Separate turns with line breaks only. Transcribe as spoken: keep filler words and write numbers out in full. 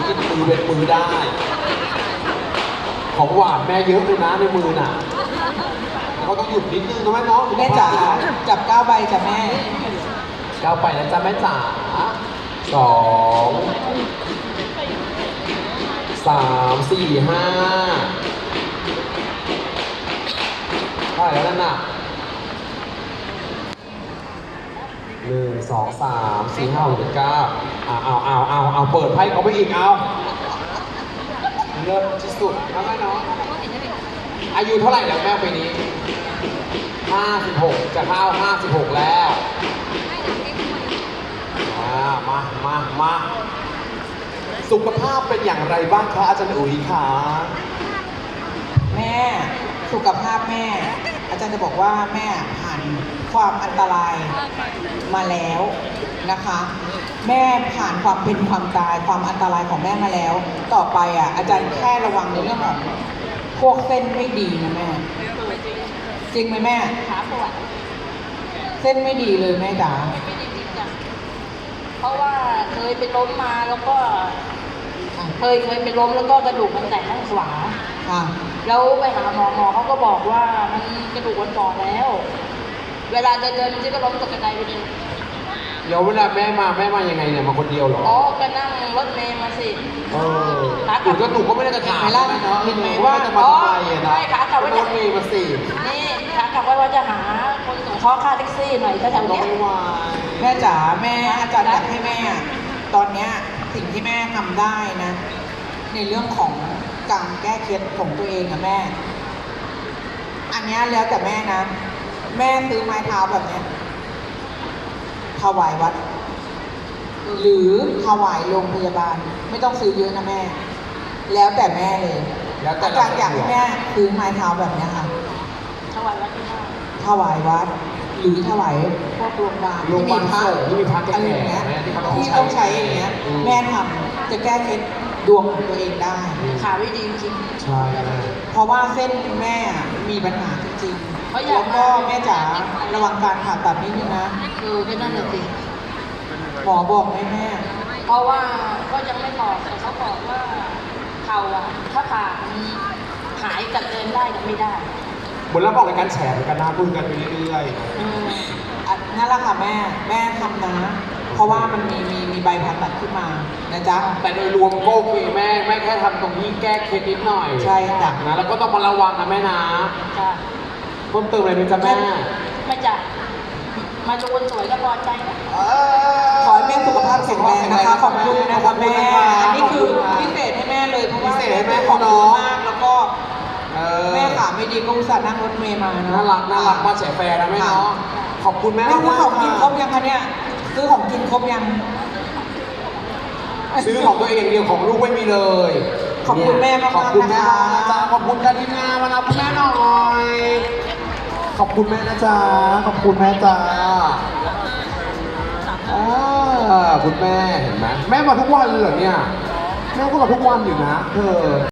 กินมือเป็นมือได้ ของหวานแม่เยอะเลยนะในมือน่ะแล้วก็ต้องหยุดนิดนึงนะแม่เนาะ
แม่จ๋าจับเก้าใบจ้ะแม่
ก้าวไปนะจ๊ะแม่จ๋าสองสามสี่ห้าเท่าไหร่แล้วนั่นน่ะหนึ่งสองสามสี่ห้าหกเจ็ดเก้าเอาเอาเอาเอาเอาเปิดไพ่เขาไปอีกเอาเลิศที่สุดนะแม่เนาะอายุเท่าไหร่แล้วแม่ปีนี้ห้าสิบหกจะเข้าห้าสิบหกแล้วอ่ามามามาสุขภาพเป็นอย่างไรบ้างคะอาจารย์อุ๋ยคะ
แม่สุขภาพแม่ อาจารย์จะบอกว่าแม่ผ่านความอันตรายมาแล้วนะคะ แม่ผ่านความเป็นความตายความอันตรายของแม่มาแล้ว ต่อไปอ่ะอาจารย์แค่ระวังในเรื่องของพวกเส้นไม่ดีนะแม่ จริงไหมแม่
ขาปวด
เส้นไม่ดีเลยแม่จ๋า
ไม่ได้จริงจังเพราะว่าเคยไปล้มมาแล้วก็
อ่ะ
เคยเคยไปล้มแล้วก็กระดูกมันแตกข้างขวา
ค่ะ
แล้วไปหาหมอหมอเขาก็บอกว่ามันกระดูกมันบอดแล้ว เวลาเดินเดินมันก็ล้มตกกระไดไปเลย
เดี๋ยวเวลาแม่มาแม่มายังไงเนี่ยมาคนเดียวเหรอ
อ๋อก็นั่งรถเมล์มาสิ
เออหนูก็หนูก็ไม่ได้จะถาม
เห็นไหมล่ะ
แม่เนาะ
เห็นไหม
ว่าจะมาทำไมอะ
ใช่
นะ
ขากลับว่า
โด
จะ
นมีมาสิ
นี่ขากลับว่าว่าจะหาคนส่งข้อค่าแท็กซี่หน่อยก็แถว
ก็
เนี้ย
ไม่ไหว
แม่จ๋าแม่อาจารย์อยากให้แม่อะตอนเนี้ยสิ่งที่แม่ทำได้นะ ในเรื่องของการแก้เคล็ดของตัวเองอะแม่ อันเนี้ยแล้วแต่แม่นะ แม่ซื้อไม้เท้าแบบเนี้ยถวายวัด หรือถวายโรงพยาบาล ไม่ต้องซื้อเยอะนะแม่ แล้วแต่แม่เลย
แล้วแต่
อาจารย์อยากให้แม่ซื้อไม้เท้าแบบเนี้ยค่ะ
ถวายวัดที่บ้าน
ถวายวัด หรือถวายพวกโรงพยาบาล
โรงพยาบาล
พระ
สงฆ์ที่มีพระแก่ๆ
อะไรอย่างเงี้ย
แม่ที่เขาต้อง
ที่ต้องใช้อย่างเงี้ย
อืม
แม่ทำจะแก้เคล็ดดวงของตัวเองได้
ขาไม่ดีจริง
ใช่แม่
เพราะว่าเส้นแม่มีปัญหาจริง
เพราะ
ๆ
อยาก
แล้วก็แม่จ๋าระวังการผ่าตัดนิดนึงนะ
คือก็นั่นแหละสิ
หมอบอกไหมแม่
เพราะว่าก็ยังไม่บอกแต่เขาบอกว่าเข่าอะถ้าผ่ามันหายกับเดินได้กับไม่ได้
บนรับบอกรายการแฉเหมือนกันนะพูดกันไปเรื่อย
อืม
อ่ะนั่นแหละค่ะแม่แม่ทำนะ เพราะว่ามันมีมีมีใบผ่าตัดขึ้นมานะจ๊ะ
ๆแต่โดยรวมก็โอเคแม่แม่แค่ทำตรงนี้แก้เคล็ดนิดหน่อย
ใช่จ้ะ
นะแล้วก็ต้องมาระวังนะแม่นะ
จ้ะ
เพิ่มเติมอะไรไหมจ๊ะแม่
ไม่จ้ะมาดูคนสวยก็พอใจนะ
ขอให้แม่สุขภาพแข็งแรงนะคะ ขอบคุณนะคะแม่ อันนี้คือพิเศษให้แม่เลยเพราะว่า
พิเศษให้แม่
ขอบ
เขา
คุณ
เนาะ
มากแล้วก็
เออ
แม่ขาไม่ดีก็อุตส่าห์นั่งรถเมล์มาเนอะ
น่ารักน่ารักมาแฉแฟร์นะแม่เนาะขอบคุณแม่
แม่
มาก
ซื้อ
มาก
ของกินครบยังคะเนี่ยซื้อของกินครบยัง
ซื้อของตัวเองอย่างเดียวของลูกไม่มีเลย
ขอบคุณแม่มากๆ
ขอบคุณแม่
นะคะ
มากนะจ๊ะขอบคุณการทีมงานมานะคุณแม่หน่อยขอบคุณแม่นะจ๊ะขอบคุณแม่จ้าอ่าคุณแม่เห็นไหมแม่มาทุกวันเลยเหรอเนี่ยแม่ก็มาทุกวันอยู่นะเธอ